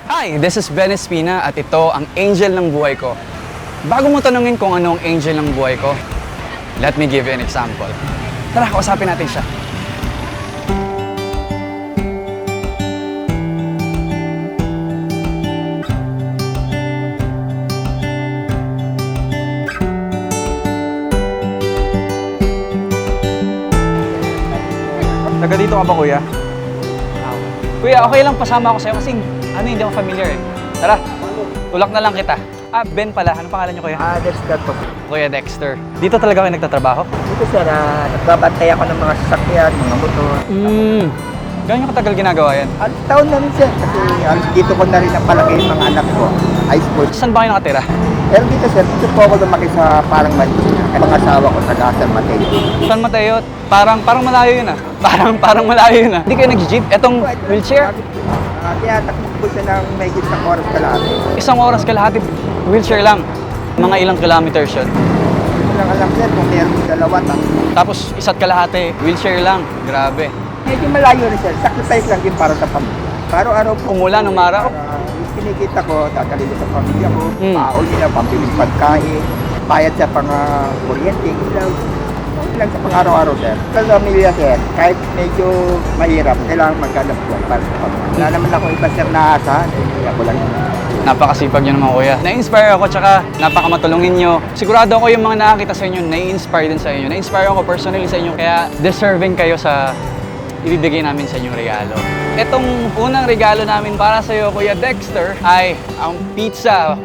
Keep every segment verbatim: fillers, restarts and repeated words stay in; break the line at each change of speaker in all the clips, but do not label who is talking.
Hi, this is Ben Espina at ito ang angel ng buhay ko. Bago mo tanungin kung ano ang angel ng buhay ko, let me give you an example. Tara, kausapin natin siya. Taga dito ka ba, kuya? Kuya, okay lang pasama ako sa'yo kasi ano, hindi ako familiar eh. Tara, tulak na lang kita. Ah, Ben pala. Anong pangalan niyo, kuya?
Ah, Dexter po.
Kuya Dexter. Dito talaga kayo nagtatrabaho?
Dito sir, ah, nagbabantay ako ng mga sasakyan, mga motor.
Hmm. Gano'n yung katagal ginagawa yan?
Alos taon na rin sir, kasi alos dito ko na rin ang palaki yung mga anak ko. High school.
Saan ba kayo nakatira?
Pero dito sir, dito po ako lumaki sa parang Manila. Ang mga asawa ko sa San Mateo.
San Mateo? Parang, parang malayo yun ah. Parang, parang malayo yun ah. Hindi kayo nag-jeep? Etong wheelchair?
Ah, kaya takbo po siya ng may isang oras kalahati.
Isang oras kalahati, wheelchair lang. Mga ilang kilometers yun.
Hindi lang alam sir kung meron yung dalawa. Tapos
Tapos isa't kalahati, wheelchair lang. Grabe.
medyo malayo rin sir, sacrifice lang din para sa pamilya. Araw-araw po.
Umulan, umaraw.
Ah, yung kinikita ko, dadali ko sa pamilya ko.
Mm.
Paol nila, pambiling pagkain, bayad sa pang uh, kuryente, ilaw. Okay lang sa pang-araw-araw sir. Sa pamilya sir, kahit medyo mahirap, kailangan maghanap buhay para sa pamilya. Wala naman ako iba sir na asahan, eh, kaya ko lang yun.
Napakasipag niyo naman, kuya. Na-inspire ako, tsaka napakamatulungin niyo. Sigurado ako yung mga nakakita sa inyo, na-inspire din sa inyo. Na-inspire ako personally sa inyo, kaya deserving kayo sa ibibigay namin sa inyong regalo. Itong unang regalo namin para sa iyo, Kuya Dexter, ay ang pizza.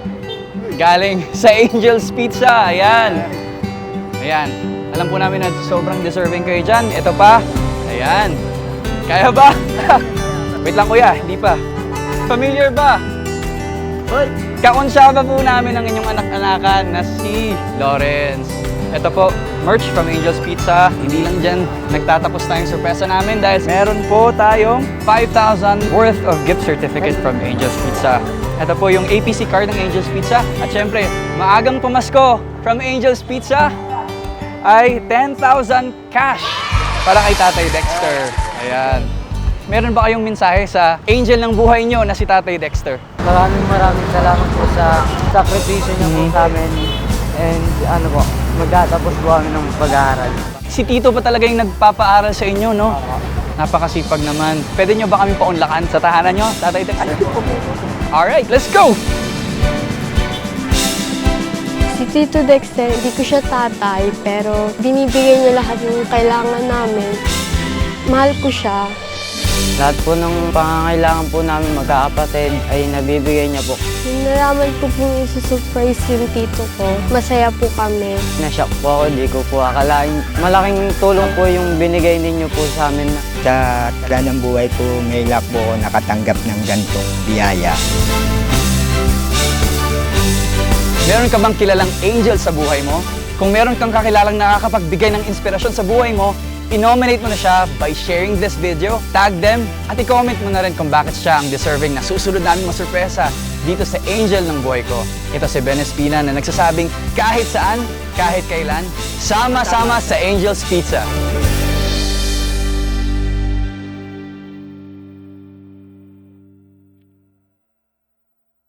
Galing sa Angel's Pizza. Ayan. Ayan. Alam po namin na sobrang deserving kayo dyan. Ito pa. Ayan. Kaya ba? Wait lang, kuya. Hindi pa. Familiar ba?
Hoy!
Kaunsyaba po namin ang inyong anak-anakan na si Lawrence. Ito po, merch from Angel's Pizza. Hindi lang dyan nagtatapos tayong sorpresa namin dahil meron po tayong five thousand worth of gift certificate from Angel's Pizza. Ito po yung A P C card ng Angel's Pizza. At syempre, maagang pamasko from Angel's Pizza ay ten thousand cash para kay Tatay Dexter. Ayan. Meron ba kayong mensahe sa angel ng buhay nyo na si Tatay Dexter?
Maraming maraming salamat po sa sakripisyo niyo po sa amin. And ano po, magtatapos po kami ng pag-aaral.
Si Tito pa talaga yung nagpapaaral sa inyo, no? Napakasipag naman. Pwede nyo ba kami paunlakan sa tahanan nyo, Tatay Dexter? Alright, let's go!
Si Tito Dexter, hindi ko siya tatay, pero binibigay niya lahat ng kailangan namin. Mahal ko siya.
Lahat po ng pangangailangan po namin magkakapatid ay nabibigay niya po.
Nung nalaman ko po isusurprise yung tito ko, masaya po kami.
Nashock po ako, di ko po akalain. Malaking tulong po yung binigay ninyo po sa amin.
Sa tagal ng buhay ko, may luck po ako nakatanggap ng gantong biyaya.
Meron ka bang kilalang angel sa buhay mo? Kung meron kang kakilalang nakakapagbigay ng inspirasyon sa buhay mo, i-nominate mo na siya by sharing this video, tag them, at i-comment mo na rin kung bakit siya ang deserving na susunod namin masurpresa dito sa angel ng buhay ko. Ito si Ben Espina na nagsasabing kahit saan, kahit kailan, sama-sama sa Angel's Pizza.